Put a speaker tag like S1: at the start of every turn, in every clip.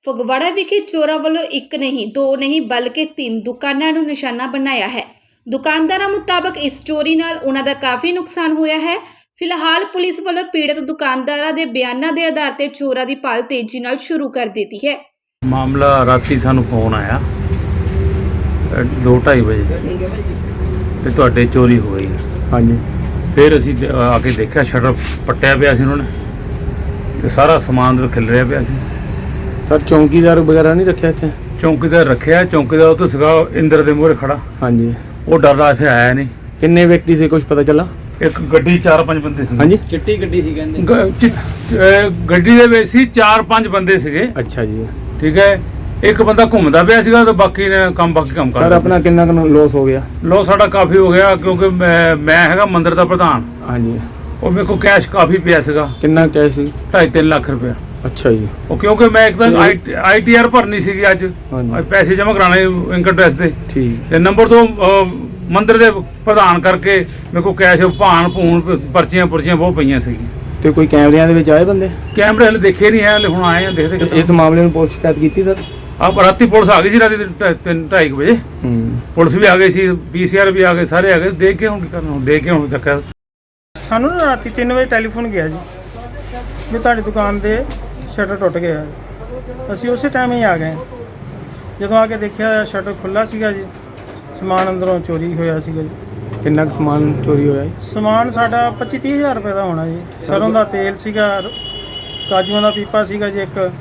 S1: ਫਗਵਾੜਾ ਵਿਖੇ ਚੋਰਾਂ ਵੱਲੋਂ ਇੱਕ ਨਹੀਂ ਦੋ ਨਹੀਂ ਬਲਕਿ 3 ਦੁਕਾਨਾਂ ਨੂੰ ਨਿਸ਼ਾਨਾ ਬਣਾਇਆ ਹੈ। ਦੁਕਾਨਦਾਰਾਂ ਮੁਤਾਬਕ ਇਸ ਚੋਰੀ ਨਾਲ ਉਹਨਾਂ ਦਾ ਕਾਫੀ ਨੁਕਸਾਨ ਹੋਇਆ ਹੈ। ਫਿਲਹਾਲ ਪੁਲਿਸ ਵੱਲੋਂ ਪੀੜਤ ਦੁਕਾਨਦਾਰਾਂ ਦੇ ਬਿਆਨਾਂ ਦੇ ਆਧਾਰ ਤੇ ਚੋਰਾਂ ਦੀ ਭਾਲ ਤੇਜ਼ੀ ਨਾਲ ਸ਼ੁਰੂ ਕਰ ਦਿੱਤੀ ਹੈ।
S2: ਮਾਮਲਾ ਰਾਤੀ ਸਾਨੂੰ ਫੋਨ ਆਇਆ 2:30 ਵਜੇ ਤੇ ਤੁਹਾਡੇ ਚੋਰੀ ਹੋ ਗਈ।
S3: ਹਾਂਜੀ
S2: ਫਿਰ ਅਸੀਂ ਆ ਕੇ ਦੇਖਿਆ ਸ਼ਟਰ ਪੱਟਿਆ ਪਿਆ ਸੀ ਉਹਨਾਂ ਨੇ ਤੇ ਸਾਰਾ ਸਮਾਨ ਖਿਲ ਰਿਹਾ ਪਿਆ ਸੀ।
S3: ਸਰ ਚੌਂਕੀਦਾਰ ਵਗੈਰਾ ਨਹੀਂ ਰੱਖਿਆ ਇੱਥੇ?
S2: ਚੌਂਕੀਦਾਰ ਰੱਖਿਆ, ਚੌਂਕੀਦਾਰ ਉਹ ਤੋਂ ਸੀਗਾ ਇੰਦਰ ਦੇ ਮੂਹਰੇ ਖੜਾ।
S3: ਹਾਂਜੀ
S2: ਉਹ ਡਰਦਾ ਇੱਥੇ ਆਇਆ ਨਹੀਂ।
S3: ਕਿੰਨੇ ਵਿਅਕਤੀ ਸੀ ਕੁਝ ਪਤਾ ਚੱਲਾ?
S2: ਇੱਕ ਗੱਡੀ 4-5 ਬੰਦੇ ਸੀ।
S3: ਹਾਂਜੀ
S4: ਚਿੱਟੀ ਗੱਡੀ ਸੀ ਕਹਿੰਦੇ।
S2: ਗੱਡੀ ਦੇ ਵਿੱਚ ਸੀ 4-5 ਬੰਦੇ ਸੀਗੇ।
S3: ਅੱਛਾ ਜੀ,
S2: ਠੀਕ ਹੈ। ਇੱਕ ਬੰਦਾ ਘੁੰਮਦਾ ਪਿਆ ਸੀਗਾ ਤੇ ਬਾਕੀ ਕੰਮ ਕਰ
S3: ਸਰ ਆਪਣਾ ਕਿੰਨਾ ਕੁ ਲੋਸ ਹੋ ਗਿਆ?
S2: ਲੋ ਸਾਡਾ ਕਾਫੀ ਹੋ ਗਿਆ ਕਿਉਂਕਿ ਮੈਂ ਹੈਗਾ ਮੰਦਿਰ ਦਾ ਪ੍ਰਧਾਨ।
S3: ਹਾਂਜੀ
S2: ਉਹ ਮੇਰੇ ਕੋਲ ਕੈਸ਼ ਕਾਫੀ ਪਿਆ ਸੀਗਾ।
S3: ਕਿੰਨਾ ਕੈਸ਼ ਸੀ?
S2: 2.5-3 ਲੱਖ ਰੁਪਇਆ।
S3: ਅੱਛਾ ਜੀ।
S2: ਉਹ ਕਿਉਂਕਿ ਮੈਂ ਇੱਕ ਤਾਂ ITR ਭਰਨੀ ਸੀਗੀ ਅੱਜ
S3: ਹਾਂਜੀ
S2: ਪੈਸੇ ਜਮ੍ਹਾਂ ਕਰਾਣੇ ਇਨਕਮ ਟੈਕਸ ਦੇ
S3: ਠੀਕ।
S2: ਤੇ ਨੰਬਰ 2 ਮੰਦਿਰ ਦੇ ਪ੍ਰਧਾਨ ਕਰਕੇ ਮੇਰੇ ਕੋਲ ਕੈਸ਼ ਭੂਣ ਪਰਚੀਆਂ ਬਹੁਤ ਪਈਆਂ ਸੀਗੀਆਂ।
S3: ਤੇ ਕੋਈ ਕੈਮਰਿਆਂ ਦੇ ਵਿੱਚ ਆਏ ਬੰਦੇ?
S2: ਕੈਮਰੇ ਹਲੇ ਦੇਖੇ ਨਹੀਂ ਹੈ, ਹਲੇ ਹੁਣ ਆਏ ਆ ਦੇਖਦੇ।
S3: ਇਸ ਮਾਮਲੇ ਨੂੰ ਪੁਲਿਸ ਸ਼ਿਕਾਇਤ ਕੀਤੀ ਸਰ?
S2: ਰਾਤੀ ਪੁਲਿਸ ਆ ਗਈ ਸੀ, ਰਾਤੀ 3-2:30 ਵਜੇ ਪੁਲਿਸ ਵੀ ਆ ਗਈ ਸੀ, PCR ਵੀ ਆ ਗਏ, ਸਾਰੇ ਆ ਗਏ। ਦੇਖ ਕੇ ਹੁਣ ਕੀ ਕਰਨਾ, ਦੇਖ ਕੇ ਹੁਣ ਚੱਕਿਆ।
S5: ਸਾਨੂੰ ਨਾ ਰਾਤੀ 3 ਵਜੇ ਟੈਲੀਫੋਨ ਗਿਆ ਜੀ ਵੀ ਤੁਹਾਡੀ ਦੁਕਾਨ ਦੇ ਸ਼ਟਰ ਟੁੱਟ ਗਿਆ। ਅਸੀਂ ਉਸੇ ਟਾਈਮ ਹੀ ਆ ਗਏ। ਜਦੋਂ ਆ ਕੇ ਦੇਖਿਆ ਸ਼ਟਰ ਖੁੱਲ੍ਹਾ ਸੀਗਾ ਜੀ, ਸਮਾਨ ਅੰਦਰੋਂ ਚੋਰੀ ਹੋਇਆ ਸੀਗਾ ਜੀ।
S3: ਕਿੰਨਾ ਕੁ ਸਮਾਨ ਚੋਰੀ ਹੋਇਆ ਜੀ?
S5: ਸਮਾਨ ਸਾਡਾ 25-30 ਹਜ਼ਾਰ ਰੁਪਏ ਦਾ ਹੋਣਾ ਜੀ। ਸਰੋਂ ਦਾ ਤੇਲ ਸੀਗਾ, ਕਾਜੂਆਂ ਦਾ ਪੀਪਾ ਸੀਗਾ ਜੀ, ਇੱਕ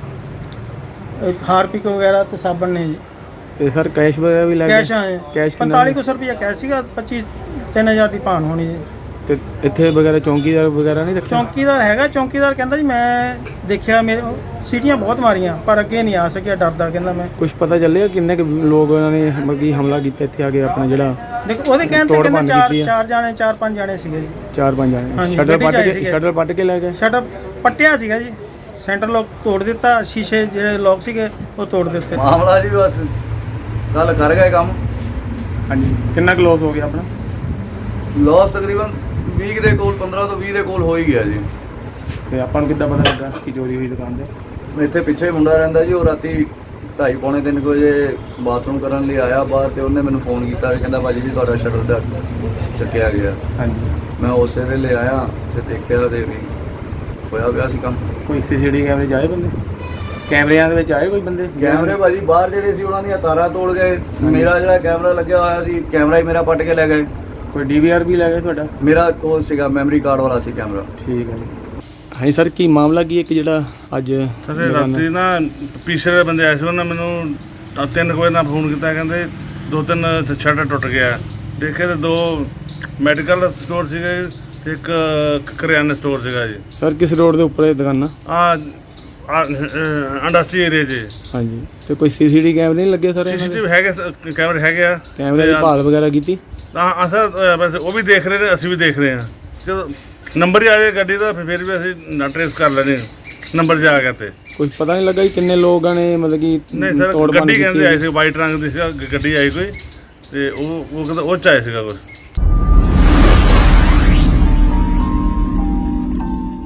S5: ਹਾਰਪਿਕ ਵਗੈਰਾ ਤੇ ਸਾਬਣ ਨੇ ਜੀ।
S3: ਤੇ ਸਰ ਕੈਸ਼ ਵਗੈਰਾ ਵੀ ਲੈ ਗਏ?
S5: ਕੈਸ਼ ਆਏ
S3: ਕੈਸ਼
S5: 4500 ਰੁਪਇਆ ਕੈਸ਼ ਸੀਗਾ, 25-3000 ਦੀ ਭਾਨ ਹੋਣੀ ਜੀ।
S3: ਤੇ ਇੱਥੇ ਵਗੈਰਾ ਚੌਂਕੀਦਾਰ ਵਗੈਰਾ ਨਹੀਂ ਰੱਖਿਆ?
S5: ਚੌਂਕੀਦਾਰ ਹੈਗਾ, ਚੌਂਕੀਦਾਰ ਕਹਿੰਦਾ ਜੀ ਮੈਂ ਦੇਖਿਆ, ਮੇਰੇ ਸੀਟੀਆਂ ਬਹੁਤ ਮਾਰੀਆਂ ਪਰ ਅੱਗੇ ਨਹੀਂ ਆ ਸਕਿਆ, ਡਰਦਾ ਕਹਿੰਦਾ ਮੈਂ।
S3: ਕੁਝ ਪਤਾ ਚੱਲਿਆ ਕਿੰਨੇ ਕੁ ਲੋਕ ਉਹਨਾਂ ਨੇ ਮੱਗੀ ਹਮਲਾ ਕੀਤਾ ਇੱਥੇ ਆ ਕੇ ਆਪਣਾ ਜਿਹੜਾ?
S5: ਦੇਖੋ ਉਹਦੇ ਕਹਿਣ ਤੇ ਕਹਿੰਦੇ 4-5 ਜਾਣੇ ਸੀਗੇ ਜੀ।
S3: 4-5 ਜਾਣੇ
S5: ਹਾਂਜੀ,
S3: ਸ਼ਟਰ
S5: ਗੱਡੀ 'ਚ ਆਏ ਸੀਗੇ।
S3: ਸ਼ਟਰ ਪੱਟ ਕੇ ਲੈ ਗਏ?
S5: ਸ਼ਟਰ ਪੱਟਿਆ ਸੀਗਾ ਜੀ, ਸੈਂਟਰ ਲੋਕ ਤੋੜ ਦਿੱਤਾ, ਸ਼ੀਸ਼ੇ ਜਿਹੜੇ ਲੋਕ ਸੀਗੇ ਉਹ ਤੋੜ ਦਿੱਤੇ।
S4: ਮਾਮਲਾ ਜੀ ਬਸ ਗੱਲ ਕਰ ਗਏ ਕੰਮ।
S3: ਹਾਂਜੀ ਕਿੰਨਾ ਕੁ ਲੋਸ ਹੋ ਗਿਆ ਆਪਣਾ?
S4: ਲਾਸ ਤਕਰੀਬਨ 20 ਦੇ ਕੋਲ, 15 ਤੋਂ 20 ਦੇ ਕੋਲ ਹੋ ਹੀ ਗਿਆ ਜੀ।
S3: ਤੇ ਆਪਾਂ ਨੂੰ ਕਿੱਦਾਂ ਪਤਾ ਲੱਗਾ ਕਿ ਚੋਰੀ ਹੋਈ ਦੁਕਾਨ ਤੇ?
S4: ਇੱਥੇ ਪਿੱਛੇ ਮੁੰਡਾ ਰਹਿੰਦਾ ਜੀ, ਉਹ ਰਾਤੀ 2:30-3 ਵਜੇ ਬਾਥਰੂਮ ਕਰਨ ਲਈ ਆਇਆ ਬਾਹਰ ਤੇ ਉਹਨੇ ਮੈਨੂੰ ਫੋਨ ਕੀਤਾ, ਕਹਿੰਦਾ ਭਾਜੀ ਜੀ ਤੁਹਾਡਾ ਸ਼ਟਰ ਦਾ ਚੱਕਿਆ ਗਿਆ।
S3: ਹਾਂਜੀ
S4: ਮੈਂ ਉਸੇ ਵੇਲੇ ਆਇਆ ਤੇ ਦੇਖਿਆ ਤੇ ਵੀ ਹੋਇਆ ਪਿਆ ਸੀ ਕੰਮ।
S3: ਕੋਈ CCTV ਕੈਮਰੇ 'ਚ ਆਏ ਬੰਦੇ? ਕੈਮਰਿਆਂ ਦੇ ਵਿੱਚ ਆਏ ਕੋਈ ਬੰਦੇ?
S4: ਕੈਮਰੇ ਭਾਜੀ ਬਾਹਰ ਜਿਹੜੇ ਸੀ ਉਹਨਾਂ ਦੀਆਂ ਤਾਰਾਂ ਤੋੜ ਗਏ। ਮੇਰਾ ਜਿਹੜਾ ਕੈਮਰਾ ਲੱਗਿਆ ਹੋਇਆ ਸੀ, ਕੈਮਰਾ ਹੀ ਮੇਰਾ ਪੱਟ ਕੇ ਲੈ ਗਏ।
S3: ਕੋਈ DVR ਵੀ ਲੈ ਗਏ ਤੁਹਾਡਾ?
S4: ਮੇਰਾ ਕੋਲ ਸੀਗਾ, ਮੈਮਰੀ ਕਾਰਡ ਵਾਲਾ ਸੀ ਕੈਮਰਾ।
S3: ਠੀਕ ਹੈ ਜੀ। ਹਾਂਜੀ ਸਰ ਕੀ ਮਾਮਲਾ ਕੀ ਇੱਕ ਜਿਹੜਾ ਅੱਜ
S2: ਰਾਤੀ ਨਾ ਪੀਛੇ ਦੇ ਬੰਦੇ ਆਏ ਸੀ, ਉਹਨਾਂ ਮੈਨੂੰ 3 ਵਜੇ ਨਾਲ ਫੋਨ ਕੀਤਾ, ਕਹਿੰਦੇ 2-3 ਸ਼ਟਰ ਟੁੱਟ ਗਿਆ। ਦੇਖੇ ਤੇ 2 ਮੈਡੀਕਲ ਸਟੋਰ ਸੀਗੇ ਤੇ ਇੱਕ ਕਰਿਆਨਾ ਸਟੋਰ ਸੀਗਾ ਜੀ।
S3: ਸਰ ਕਿਸ ਰੋਡ ਦੇ ਉੱਪਰ ਇਹ ਦੁਕਾਨਾਂ?
S2: ਇੰਡਸਟਰੀ ਏਰੀਆ 'ਚ।
S3: ਹਾਂਜੀ ਤੇ ਕੋਈ CCTV ਕੈਮਰੇ ਨਹੀਂ ਲੱਗੇ ਸਰ?
S2: CCTV ਹੈਗੇ, ਕੈਮਰੇ ਹੈਗੇ ਆ।
S3: ਕੈਮਰੇ ਦੀ ਭਾਲ ਵਗੈਰਾ ਕੀਤੀ?
S2: ਅਸਰ ਵੈਸੇ ਉਹ ਵੀ ਦੇਖ ਰਹੇ ਨੇ, ਅਸੀਂ ਵੀ ਦੇਖ ਰਹੇ ਹਾਂ। ਜਦੋਂ ਨੰਬਰ ਹੀ ਆ ਜਾਏ ਗੱਡੀ ਦਾ ਫਿਰ ਵੀ ਅਸੀਂ ਨਾ ਟਰੇਸ ਕਰ ਲੈਣੇ, ਨੰਬਰ 'ਚ ਆ ਗਿਆ ਤੇ।
S3: ਕੁਝ ਪਤਾ ਨਹੀਂ ਲੱਗਾ ਜੀ ਕਿੰਨੇ ਲੋਕਾਂ ਨੇ ਮਤਲਬ ਕਿ
S2: ਨਹੀਂ ਸਰ, ਗੱਡੀ ਕਹਿੰਦੇ ਆਈ ਸੀ, ਵਾਈਟ ਰੰਗ ਦੀ ਸੀ ਗੱਡੀ ਆਈ ਕੋਈ, ਤੇ ਉਹ ਕਹਿੰਦਾ ਉਹ 'ਚ ਆਏ ਸੀਗਾ ਕੁਛ।